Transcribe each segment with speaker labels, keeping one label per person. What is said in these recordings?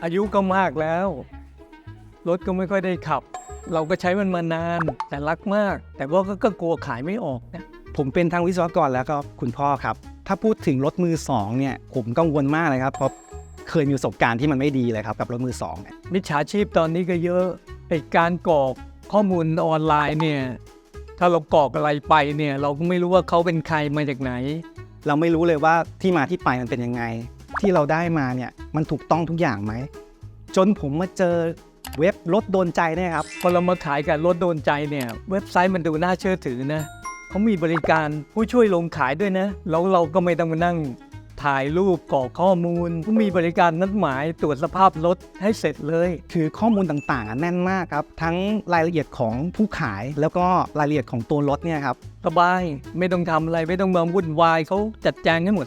Speaker 1: อายุก็มากแล้วรถก็ไม่ค่อยได้ขับ เราก็ใช้มันมานานแต่รักมาก แต่ว่าก็กลัวขายไม่ออกนะ
Speaker 2: ผมเป็นทั้งวิศวกรแล้วก็คุณพ่อครับถ้าพูดถึงรถมือสองเนี่ยผมกังวลมากเลยครับเพราะเคยมีประสบการณ์ที่มันไม่ดีเลยครับกับรถมือสองเนี่ย
Speaker 1: มิจฉาชีพตอนนี้ก็เยอะไอ้การกรอกข้อมูลออนไลน์เนี่ยถ้าเรากรอกอะไรไปเนี่ยเราก็ไม่รู้ว่าเขาเป็นใครมาจากไหน
Speaker 2: เราไม่รู้เลยว่าที่มาที่ไปมันเป็นยังไงที่เราได้มาเนี่ยมันถูกต้องทุกอย่างไหมจนผมมาเจอเว็บรถโดนใจเนี่ยครับ
Speaker 1: พอเรามาขายกับรถโดนใจเนี่ยเว็บไซต์มันดูน่าเชื่อถือนะเขามีบริการผู้ช่วยลงขายด้วยนะแล้วเราก็ไม่ต้องมานั่งถ่ายรูปกรอกข้อมูลเขามีบริการนัดหมายตรวจสภาพรถให้เสร็จเลย
Speaker 2: คือข้อมูลต่างๆแน่นมากครับทั้งรายละเอียดของผู้ขายแล้วก็รายละเอียดของตัวรถเนี่ยครับ
Speaker 1: สบายไม่ต้องทำอะไรไม่ต้องมาวุ่นวายเขาจัดแจงให้หมด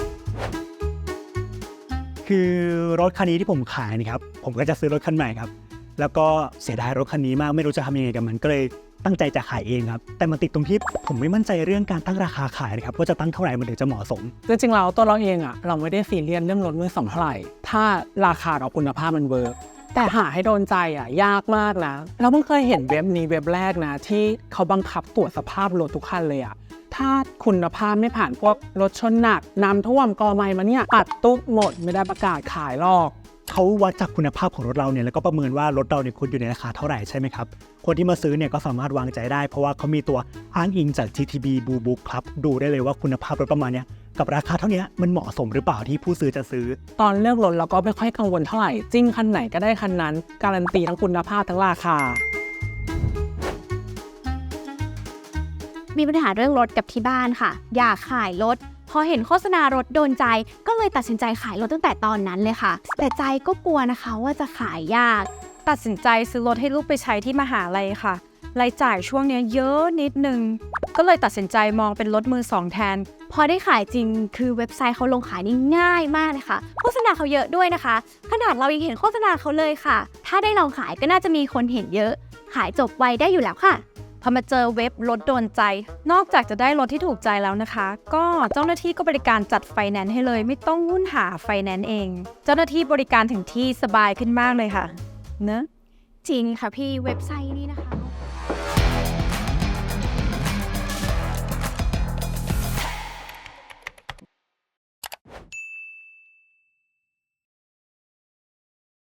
Speaker 3: คือรถคันนี้ที่ผมขายนะครับผมก็จะซื้อรถคันใหม่ครับแล้วก็เสียดายรถคันนี้มากไม่รู้จะทำยังไงกับมันก็เลยตั้งใจจะขายเองครับแต่มันติดตรงที่ผมไม่มั่นใจเรื่องการตั้งราคาขายนะครับว่าจะตั้งเท่าไหร่มันถึงจะเหมาะสม
Speaker 4: จริงๆแล้วตัวเราเองอะเราไม่ได้ซีเรียสเรื่องรถมือสองเท่าไหร่ถ้าราคากับคุณภาพมันเวิร์กแต่หาให้โดนใจอะยากมากนะเราเพิ่งเคยเห็นเว็บนี้เว็บแรกนะที่เขาบังคับตรวจสภาพรถทุกคันเลยอะถ้าคุณภาพไม่ผ่านพวกรถชนหนักน้ำท่วมกอไม้มาเนี่ยปัดตุ๊บหมดไม่ได้ประกาศขายหรอก
Speaker 3: เขาวัดจากคุณภาพของรถเราเนี่ยแล้วก็ประเมินว่ารถเราเนี่ยควรอยู่ในราคาเท่าไหร่ใช่ไหมครับคนที่มาซื้อเนี่ยก็สามารถวางใจได้เพราะว่าเขามีตัวอ้างอิงจาก GTB Blue Book ครับดูได้เลยว่าคุณภาพรถประมาณเนี้ยกับราคาเท่านี้มันเหมาะสมหรือเปล่าที่ผู้ซื้อจะซื้อ
Speaker 4: ตอนเลือกรถเราก็ไม่ค่อยกังวลเท่าไหร่จิ้มคันไหนก็ได้คันนั้นการันตีทั้งคุณภาพทั้งราคา
Speaker 5: มีปัญหาเรื่องรถกับที่บ้านค่ะอยากขายรถพอเห็นโฆษณารถโดนใจก็เลยตัดสินใจขายรถตั้งแต่ตอนนั้นเลยค่ะแต่ใจก็กลัวนะคะว่าจะขายยาก
Speaker 6: ตัดสินใจซื้อรถให้ลูกไปใช้ที่มหาลัยค่ะรายจ่ายช่วงนี้เยอะนิดนึงก็เลยตัดสินใจมองเป็นรถมือสองแทน
Speaker 5: พอได้ขายจริงคือเว็บไซต์เขาลงขายนี่ง่ายมากเลยค่ะโฆษณาเขาเยอะด้วยนะคะขนาดเรายังเห็นโฆษณาเขาเลยค่ะถ้าได้ลองขายก็น่าจะมีคนเห็นเยอะขายจบไวได้อยู่แล้วค่ะ
Speaker 6: พอมาเจอเว็บรถโดนใจ นอกจากจะได้รถที่ถูกใจแล้วนะคะ ก็เจ้าหน้าที่ก็บริการจัดไฟแนนซ์ให้เลยไม่ต้องวุ่นหาไฟแนนซ์เอง เจ้าหน้าที่บริการถึงที่สบายขึ้นมากเลยค่ะเนอะ
Speaker 5: จริงค่ะพี่เว็บไซต์นี้นะคะ